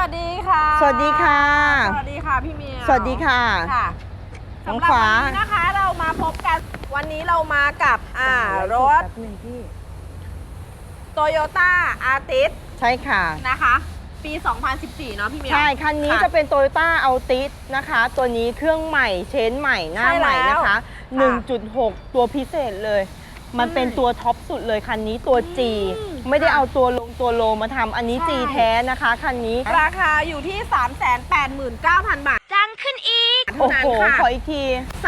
วัสดีค่ะสวัสดีค่ะสวัสดีค่ะพี่เมียวสวัสดีค่ะสำหรับวันนี้นะคะเรามาพบกันวันนี้เรามากับรถ Toyota Altis ใช่ค่ะนะคะปี 2014 เนาะพี่เมียวใช่คันนี้จะเป็น Toyota Altis นะคะตัวนี้เครื่องใหม่เชนใหม่หน้าใหม่นะคะ 1.6 ตัวพิเศษเลยมันเป็นตัวท็อปสุดเลยคันนี้ตัว G ไม่ได้เอาตัวโลมาทำอันนี้ G แท้นะคะคันนี้ราคาอยู่ที่ 389,000 บาทจังขึ้นอีกโอ้โหขออีกที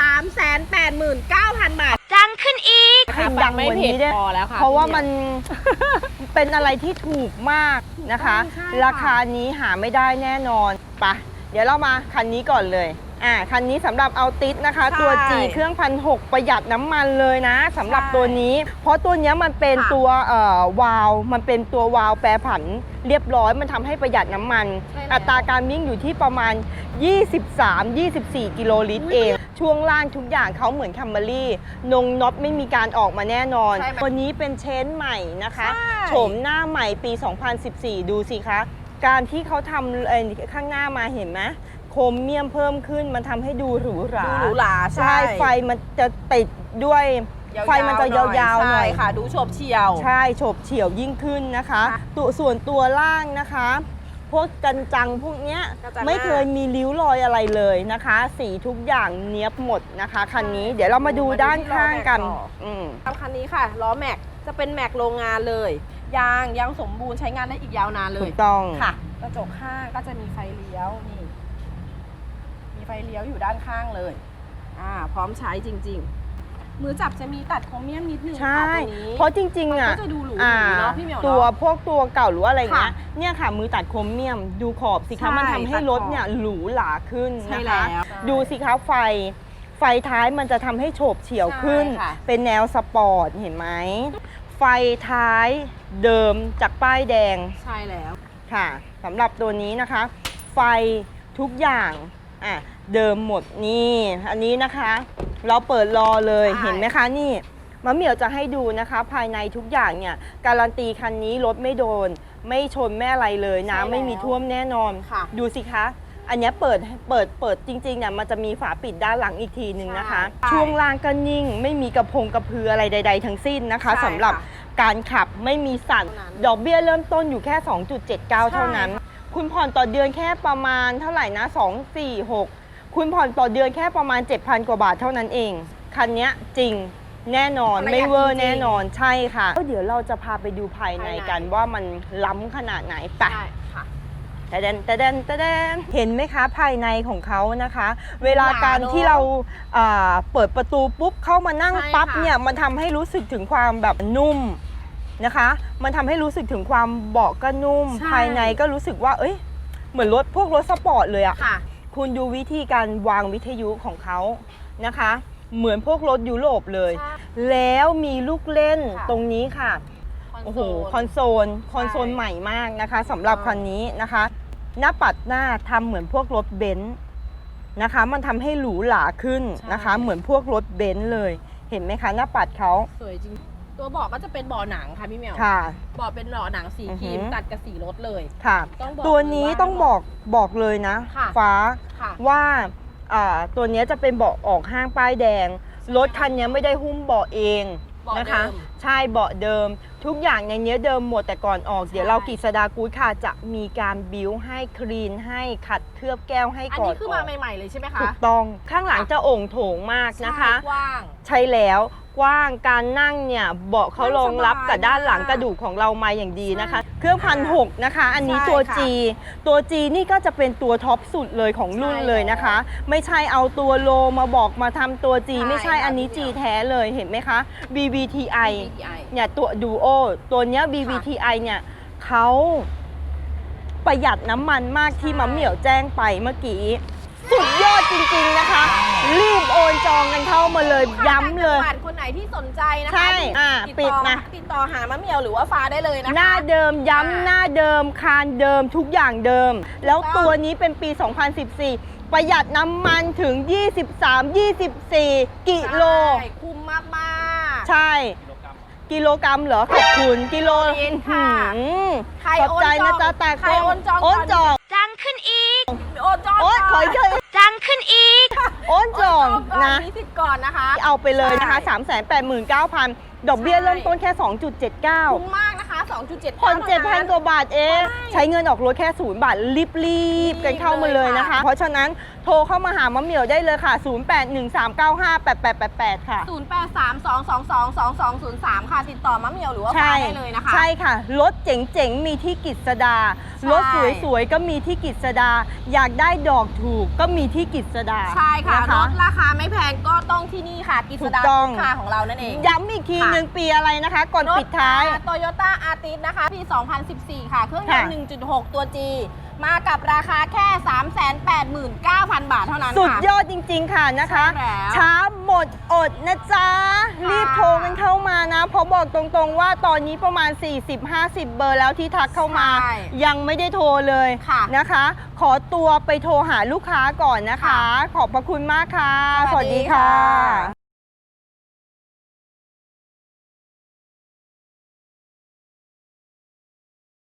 389,000 บาทจังขึ้นอีกให้ดังกว่านี้ได้เพราะว่ามันเป็นอะไรที่ถูกมากนะคะราคานี้หาไม่ได้แน่นอนปะเดี๋ยวเรามาคันนี้ก่อนเลยคันนี้สำหรับเอาติสนะคะตัว G เครื่อง1,600ประหยัดน้ำมันเลยนะสำหรับตัวนี้เพราะตัวนี้มันเป็นตัววาล์วมันเป็นตัววาล์วแปรผันเรียบร้อยมันทำให้ประหยัดน้ำมันอัตราการวิ่งอยู่ที่ประมาณ 23-24 กิโลลิตรเองช่วงล่างทุกอย่างเขาเหมือนคัมเบอรี่น็อตไม่มีการออกมาแน่นอนตัวนี้เป็นเชนใหม่นะคะโฉมหน้าใหม่ปี 2014 ดูสิคะการที่เขาทำข้างหน้ามาเห็นไหมโครเมียมเพิ่มขึ้นมันทำให้ดูหรูหราใช่ไฟมันจะติดด้วยไฟมันจะยาวๆหน่อยค่ะดูโฉบเฉี่ยวใช่โฉบเฉี่ยวยิ่งขึ้นนะคะส่วนตัวล่างนะคะพวกกันจังพวกเนี้ยไม่เคยมีริ้วรอยอะไรเลยนะคะสีทุกอย่างเนียบหมดนะคะคันนี้เดี๋ยวเรามาดูด้านข้างกันคันนี้ค่ะล้อแม็กจะเป็นแม็กโรงงานเลยยางสมบูรณ์ใช้งานได้อีกยาวนานเลยถูกต้องค่ะกระจกข้างก็จะมีไฟเลี้ยวนี่มีไฟเลี้ยวอยู่ด้านข้างเลยพร้อมใช้จริงๆมือจับจะมีตัดโครเมียมนิดนึงค่ะตรงนี้เพราะจริงๆก็จะดูหรูเนาะพี่เหมียวตัวพวกตัวเก่าหรืออะไรเงี้ยเนี่ยค่ะมือตัดโครเมียมดูขอบสิคะมันทำให้รถเนี่ยหรูหราขึ้นนะคะดูสิคะไฟท้ายมันจะทำให้โฉบเฉี่ยวขึ้นเป็นแนวสปอร์ตเห็นไหมไฟท้ายเดิมจากป้ายแดงใช่แล้วค่ะสำหรับตัวนี้นะคะไฟทุกอย่างเดิมหมดนี่อันนี้นะคะเราเปิดรอเลยเห็นไหมคะนี่มะเหมี่ยวจะให้ดูนะคะภายในทุกอย่างเนี่ยการันตีคันนี้รถไม่โดนไม่ชนแม่อะไรเลยน้ำไม่มีท่วมแน่นอนดูสิคะอันนี้เปิดจริงๆเนี่ยมันจะมีฝาปิดด้านหลังอีกทีหนึ่งนะคะช่วงล่างก็นิ่งไม่มีกระพืออะไรใดๆทั้งสิ้นนะคะสำหรับการขับไม่มีสั่นดอกเบี้ยเริ่มต้นอยู่แค่ 2.79 เท่านั้นคุณผ่อนต่อเดือนแค่ประมาณเท่าไหร่นะ246คุณผ่อนต่อเดือนแค่ประมาณ 7,000 กว่าบาทเท่านั้นเองคันนี้จริงแน่นอนไม่เวอร์แน่นอนใช่ค่ะเดี๋ยวเราจะพาไปดูภายในกันว่ามันล้ำขนาดไหนไปแต่เดนเห็นไหมคะภายในของเขานะคะเวลาการที่เราเปิดประตูปุ๊บเข้ามานั่งปั๊บเนี่ยมันทำให้รู้สึกถึงความแบบนุ่มนะคะมันทำให้รู้สึกถึงความเบาะก็นุ่มภายในก็รู้สึกว่าเอ้ยเหมือนพวกรถสปอร์ตเลยอะคุณดูวิธีการวางวิทยุของเขานะคะเหมือนพวกรถยุโรปเลยแล้วมีลูกเล่นตรงนี้ค่ะโอ้โหคอนโซลใหม่มากนะคะสำหรับคันนี้นะคะหน้าปัดหน้าทำเหมือนพวกรถเบนซ์นะคะมันทำให้หรูหราขึ้นนะคะเหมือนพวกรถเบนซ์เลยเห็นไหมคะหน้าปัดเขาสวยจริงตัวเบาะก็จะเป็นเบาะหนังค่ะพี่เหมียวเบาะเป็นเบาะหนังสีครีมตัดกับสีรถเลยค่ะตัวนี้ต้องบอกเลยนะฟ้าว่าตัวนี้จะเป็นเบาะออกห้างป้ายแดงรถคันนี้ไม่ได้หุ้มเบาะเองนะคะใช่เบาะเดิมทุกอย่างในนี้เดิมหมดแต่ก่อนออกเดี๋ยวเรากฤษดากู๊ดค่ะจะมีการบิ้วให้คลีนให้ขัดเคลือบแก้วให้ก่อนอันนี้คือมาใหม่ๆเลยใช่ไหมคะถูกต้องข้างหลังจะโอ่งโถงมากนะคะใช่แล้วกว้างการนั่งเนี่ยเบาะเขารองรับกับด้านหลังกระดูกของเรามาอย่างดีนะคะเครื่อง1,600นะคะอันนี้ตัว G นี่ก็จะเป็นตัวท็อปสุดเลยของรุ่นเลยนะคะไม่ใช่เอาตัวโลมาบอกมาทำตัว G ไม่ใช่อันนี้ G แท้เลยเห็นไหมคะ BBTI เนี่ยตัวดูโอตัวเนี้ย BBTI เนี่ยเขาประหยัดน้ำมันมากที่มะเหมี่ยวแจ้งไปเมื่อกี้สุดยอดจริงๆนะคะรีบโอนจองกันเข้ามาเลยย้ำเลยคนไหนที่สนใจนะคะใช่ปิดนะติดต่อหามะเหมี่ยวหรือว่าฟ้าได้เลยนะคะหน้าเดิมย้ำหน้าเดิมคานเดิมทุกอย่างเดิมแล้วตัวนี้เป็นปี 2014 ประหยัดน้ำมันถึง 23-24 กิโลคุ้มมากๆใช่กิโลกรัมเหรอขอบคุณกิโลค่ะขอบใจนะจ๊ะแต่ใครโอนจองจังโอนจองโอ๊ยขออีกทีจังขึ้นอีก โอนจองนะมีสิทธิ์ก่อนนะคะเอาไปเลยนะคะใช่ 389,000 ดอกเบี้ยใช่เริ่มต้นแค่คุ้ม 2.79 มากนะคะ 2.7 ผ่อน7,000 กว่าบาทเอง ใช้เงินออกรถแค่0 บาท รีบๆกันเข้ามาเลยนะคะ เพราะฉะนั้นโทรเข้ามาหามะเหมี่ยวได้เลยค่ะ 0813958888 ค่ะ 0832222203 ค่ะ ติดต่อมะเหมียวหรือว่าฟ้าได้เลยนะคะใช่ค่ะ รถเจ๋งๆ มีที่กิษดาใช่รถสวยๆ ก็มีที่กิษดา อยากได้ดอกถูกก็มีที่กิษดาใช่ค่ะนรถราคาไม่แพงก็ต้องที่นี่ค่ะ กิษดาถูกต้องคาของเรานั่นเองย้ำอีกทีหนึ่งปีอะไรนะคะ ก่อนปิดท้ายโตโยต้าอาร์ติสนะคะปี 2014 ค่ะ เครื่องยนค่ะต์ 1.6 ตัว G มากับราคาแค่ 389,000 บาทเท่านั้นสุดค่ะยอดจริง ๆ ค่ะนะคะใช่แล้วช้าหมดอดนะจ๊ะ รีบโทรกันเข้ามานะ เพราะบอกตรงๆว่าตอนนี้ประมาณ 40-50 เบอร์แล้วที่ทักเข้ามาใช่ยังไม่ได้โทรเลยค่ะนะคะ ขอตัวไปโทรหาลูกค้าก่อนนะคะค่ะขอบพระคุณมากค่ะสวัสดีค่ะ